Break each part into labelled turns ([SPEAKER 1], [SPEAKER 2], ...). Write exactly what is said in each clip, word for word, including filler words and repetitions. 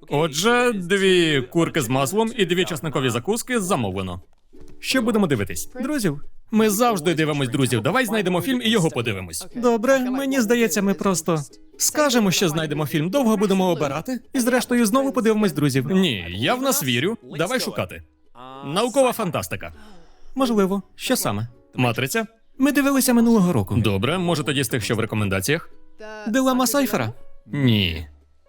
[SPEAKER 1] Отже, дві курки з маслом і дві часникові закуски замовлено. Що будемо дивитись? Друзів? Ми завжди дивимось друзів. Давай знайдемо фільм і його подивимось. Добре, мені здається, ми просто скажемо, що знайдемо фільм, довго будемо обирати, і зрештою знову подивимось друзів. Ні, я в нас вірю. Давай шукати. Наукова фантастика. Можливо. Що саме? Матриця? Ми дивилися минулого року. Добре, може тоді з тих, що в рекомендаціях? Дилема Сайфера? Ні.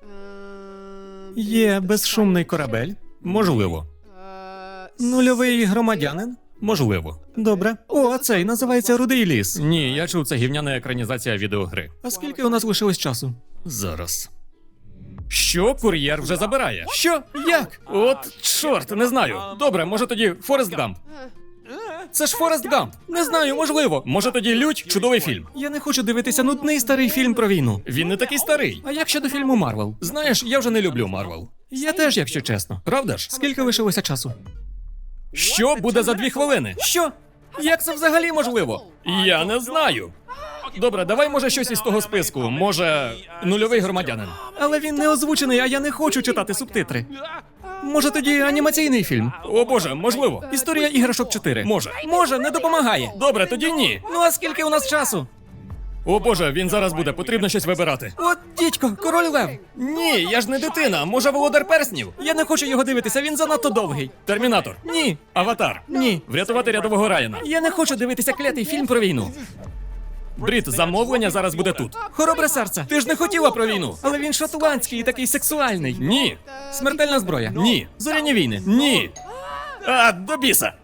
[SPEAKER 1] Є безшумний корабель? Можливо. Нульовий громадянин? Можливо. Добре. О, а цей називається Рудий ліс. Ні, я чув, це гівняна екранізація відеогри. А скільки у нас лишилось часу? Зараз. Що? Кур'єр вже забирає? Що? Як? От, чорт, не знаю. Добре, може тоді Форест Гамп. Це ж Форест Гамп. Не знаю, можливо. Може тоді Лють? Чудовий фільм. Я не хочу дивитися нудний старий фільм про війну. Він не такий старий. А як щодо фільму Марвел? Знаєш, я вже не люблю Марвел. Я теж, якщо чесно. Правда ж? Скільки лишилося часу? Що буде за дві хвилини? Що? Як це взагалі можливо? Я не знаю. Добре, давай може щось із того списку. Може, нульовий громадянин. Але він не озвучений, а я не хочу читати субтитри. Може тоді анімаційний фільм? О боже, можливо. Історія іграшок чотири. Може. Може, не допомагає. Добре, тоді ні. Ну а скільки у нас часу? О боже, він зараз буде, потрібно щось вибирати. От, дідько, король лев. Ні, я ж не дитина, може володар перснів? Я не хочу його дивитися, він занадто довгий. Термінатор? Ні. Аватар? Ні. Врятувати рядового Райана? Я не хочу дивитися клятий фільм про війну. Брід, замовлення зараз буде тут. Хоробре серце, ти ж не хотіла про війну. Але він шотландський і такий сексуальний. Ні. Смертельна зброя? Ні. Зоряні війни? Ні. А, до біса.